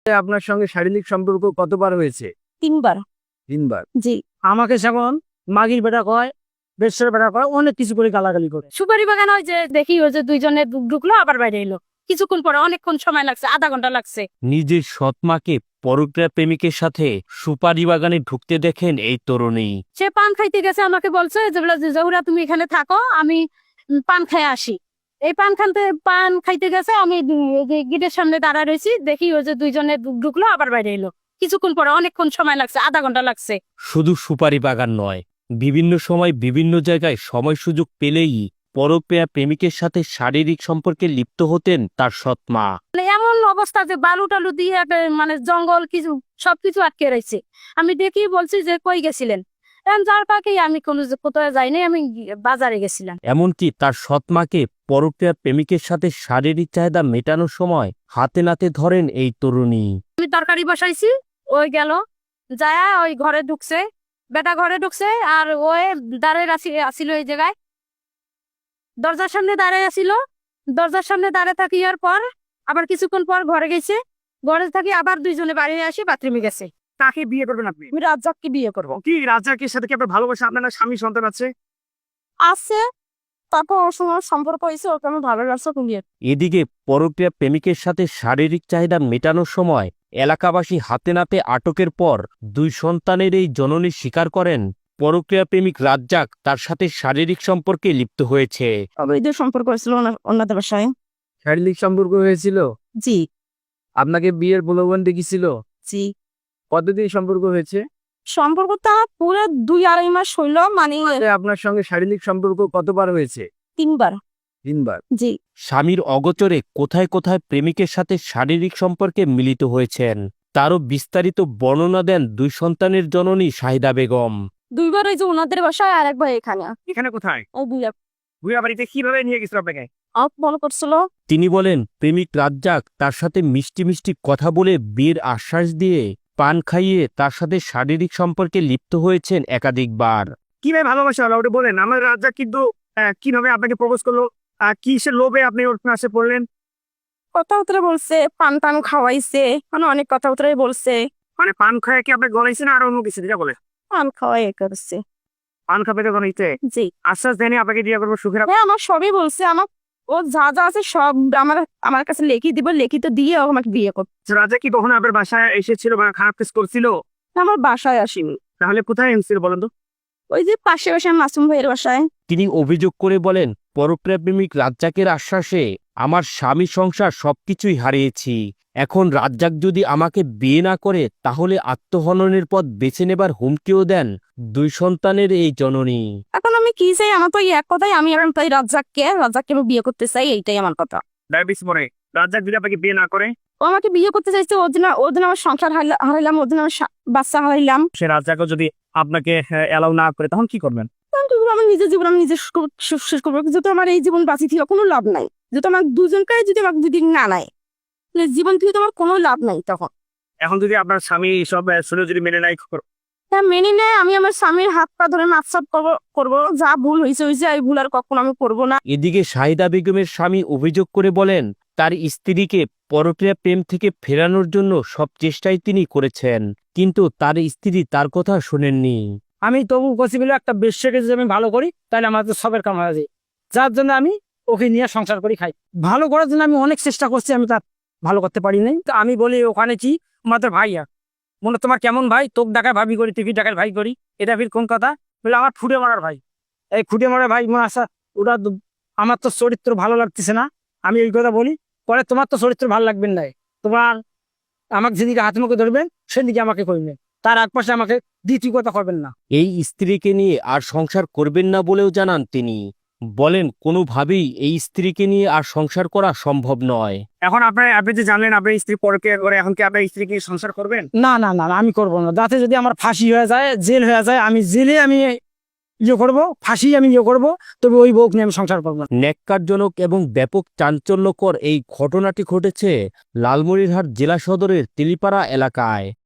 আপনার সঙ্গে শারীরিক সম্পর্ক কতবার হয়েছে? 3 বার। 3 বার। জি। আমাকে যেমন মাগির বেটা কয়, বেশের বেটা কয়, অনেক কিছু করে গালাগালি করে। সুপারি বাগান হয় যে দেখি ওই যে দুইজনে ঢুকলো আবার বাইরে এলো, কিছুক্ষণ পরে অনেকক্ষণ সময় লাগছে, আধা ঘন্টা লাগছে। নিজের সৎমাকে পরক্রিয়া প্রেমিকের সাথে সুপারি বাগানে ঢুকতে দেখেন এই তরুণী। সে পান খাইতে গেছে, আমাকে বলছে যে জহুরা তুমি এখানে থাকো, আমি পান খেয়ে আসি। এই পান খাইতে গেছে, আমি গেটের সামনে দাঁড়া রয়েছি, দেখি ওই যে দুইজনে ঢুকলো আবার বাইরে এলো, কিছুক্ষণ পরে অনেকক্ষণ সময় লাগছে, আধা ঘন্টা লাগছে। শুধু সুপারি বাগান নয়, বিভিন্ন সময় বিভিন্ন জায়গায় সময় সুযোগ পেলেই পরক্রিয়া প্রেমিকের সাথে শারীরিক সম্পর্কে লিপ্ত হতেন তার সৎমা। মানে এমন অবস্থা যে বালু টালু দিয়ে মানে জঙ্গল কিছু সবকিছু আটকে রয়েছে। আমি দেখি বলছি যে কই গেছিলেন, যার পাকেই আমি কোথাও যাইনি, আমি বাজারে গেছিলাম। এমনকি তার সৎমাকে পরক্রিয়া প্রেমিকের সাথে শারীরিক চাহিদা মেটানোর সময় হাতে নাতে ধরেন এই তরুণী। আমি তরকারি বসাইছি, ওই গেল যায় ওই ঘরে ঢুকছে, বেটা ঘরে ঢুকছে, আর ওই দাঁড়িয়ে আসিল এই জায়গায়, দরজার সামনে দাঁড়িয়ে আসিল। দরজার সামনে দাঁড়িয়ে থাকিয়ার পর আবার কিছুক্ষণ পর ঘরে গেছে, ঘরে থাকি আবার দুইজনে বাড়ি আসি, বাথরুমে গেছে। তাকে বিয়ে করবেন আপনি? আমি রাজ্জাককে বিয়ে করবো। কি রাজাকের সাথে কি আপনার ভালোবাসা, আপনার না স্বামী সন্তান আছে? আছে, তারপর ওর সঙ্গে সম্পর্ক হয়েছে, ওকে আমি ভালোবাসা বিয়ে। এদিকে পরক্রিয়া প্রেমিকের সাথে শারীরিক চাহিদা মেটানোর সময় এলাকাবাসী হাতে নাতে আটকের পর 2 সন্তানের এই জননী স্বীকার করেন পরক্রিয়া প্রেমিক রাজ্জাক তার সাথে শারীরিক সম্পর্কে লিপ্ত হয়েছে। অবৈধ সম্পর্ক হয়েছিল ওনাদের বাসায়। শারীরিক সম্পর্ক হয়েছিল? জি। আপনাকে বিয়ের প্রলোভন দেখিয়েছিল? জি। কতদিন সম্পর্ক হয়েছে? সম্পর্কটা পুরো 2-2.5 মাস হইলো, মানে আপনার সঙ্গে শারীরিক সম্পর্ক কতবার হয়েছে? 3 বার। 3 বার। জি। স্বামীর অগোচরে কোথায় কোথায় প্রেমিকের সাথে শারীরিক সম্পর্কে মিলিত হয়েছেন তারও বিস্তারিত বর্ণনা দেন 2 সন্তানের জননী শাহিদা বেগম। 2 বার ওই যে ওনাদের বাসায়, আর একবার এখানে। এখানে কোথায়? ও ভুয়া বাড়িতে কিভাবে নিয়ে গেছিল আপনাকে? মনে করছিল। তিনি বলেন প্রেমিক রাজ্জাক তার সাথে মিষ্টি মিষ্টি কথা বলে বিয়ের আশ্বাস দিয়ে পান খাইয়ে তার সাথে শারীরিক সম্পর্কে লিপ্ত হয়েছেন একাধিকবার। কিভাবে ভালোবাসা হলো ওটা বলেন। আমার রাজা কিন্তু কিভাবে আপনাকে প্রপোজ করলো, কিসের লোভে আপনি ওর কাছে পড়লেন? কথাবার্তা বলছে, পান টান খাওয়াইছে, মানে অনেক কথাবার্তাই বলছে। মানে পান খায় কি আপনাকে গলাইছে না আর অন্য কিছু যেটা বলে? পান খাওয়াই করছে। পান খাবে তো গলাইতে? জি। আশ্বাস দেয়নি আপনাকে বিয়ে করবো সুখের? হ্যাঁ, আমার সবই বলছে, আমার ও যা যা আছে সব আমার কাছে লিখে দিব, লিখিত দিয়ে ও আমাকে বিয়ে করবে। রাজা কি কখনো আপনার বাসায় এসেছিল বা খারাপ কিছু করছিল? আমার বাসায় আসেনি। তাহলে কোথায় এসেছিল বলেন তো? ওই যে পাশে বাসায় মাসুম ভাইয়ের বাসায়। তিনি অভিযোগ করে বলেন পরক্রিয়া প্রেমিক রাজ্জাকের আশ্বাসে আমার স্বামী সংসার সবকিছুই হারিয়েছি, এখন রাজ্জাক যদি আমাকে বিয়ে না করে তাহলে আত্মহননের পথ বেছে নেবার হুমকিও দেন 2 সন্তানের এই জননী। এখন আমি কি চাই, আমার তো এক কথাই, আমি এখন তাই রাজ্জাককে আমি বিয়ে করতে চাই, এইটাই আমার কথা। ডায়াবেটিস মরে রাজ্জাক যদি আপনাকে বিয়ে না করে? ও আমাকে বিয়ে করতে চাইছে, ওর দিন আমার সংসার হারাইলাম, ওর দিন আমার বাচ্চা হারাইলাম। সে রাজ্জাকও যদি আপনাকে অ্যালাউ না করে তখন কি করবেন? আমার নিজের জীবন আমি নিজে শেষ করবো, যেহেতু আমার এই জীবন বাঁচি থেকে কোনো লাভ নাই, যেহেতু আমার দুজনকে যদি আমাকে যদি না নেয়, জীবন থেকে তোমার কোনো লাভ নাই। তখন এখন যদি আপনার স্বামী সব শুনে যদি মেনে নাই তা মেনে নেয়, আমি আমার স্বামীর হাত পা ধরে মাপসাপ করবো, যা ভুল হয়েছে এই ভুল আর কখনো আমি করবো না। এদিকে শাহিদা বেগমের স্বামী অভিযোগ করে বলেন তার স্ত্রীকে পরক্রিয়া প্রেম থেকে ফেরানোর জন্য সব চেষ্টাই তিনি করেছেন, কিন্তু তার স্ত্রী তার কথা শোনেননি। আমি তবু পসিবল একটা বেশ্যাকে যদি আমি ভালো করি তাহলে আমার তো সবের কাম হয়ে যায়, যার জন্য আমি ওকে নিয়ে সংসার করি খাই। ভালো করার জন্য আমি অনেক চেষ্টা করছি, আমি তার ভালো করতে পারি নাই। তো আমি বলি ওখানে কি আমাদের ভাইয়া মনে তোমার কেমন ভাই, তোক ডাকায় ভাবি করি, তুই ডাকায় ভাই করি, এটা ফির কোন কথা? বলে আমার ফুটে মারার ভাই, এই ফুটে মারার ভাই আসা ওটা আমার তো চরিত্র ভালো লাগতেছে না। আমি এই কথা বলি, পরে তোমার তো চরিত্র ভালো লাগবেন না, তোমার আমাকে যেদিকে হাত মুখে ধরবেন সেদিকে আমাকে করবেন, তার এক পাশে আমাকে দ্বিতীয় কথা করবেন না। এই স্ত্রীকে নিয়ে আর সংসার করবেন না বলেও জানান তিনি, বলেন কোনোভাবেই এই স্ত্রীকে নিয়ে আর সংসার করা সম্ভব নয়। এখন আপনি যে জানলেন আপনার স্ত্রী পরকীয়া করে, এখন কি আপনার স্ত্রীকে সংসার করবেন? না না না না, আমি করবো না। যাতে যদি আমার ফাঁসি হয়ে যায়, জেল হয়ে যায়, আমি জেলে আমি ইয়ে করবো, ফাঁসি আমি ইয়ে করবো, তবে ওই বউকে নিয়ে আমি সংসার করবো না। ন্যাক্কারজনক এবং ব্যাপক চাঞ্চল্যকর এই ঘটনাটি ঘটেছে লালমনিরহাট জেলা সদরের তেলিপাড়া এলাকায়।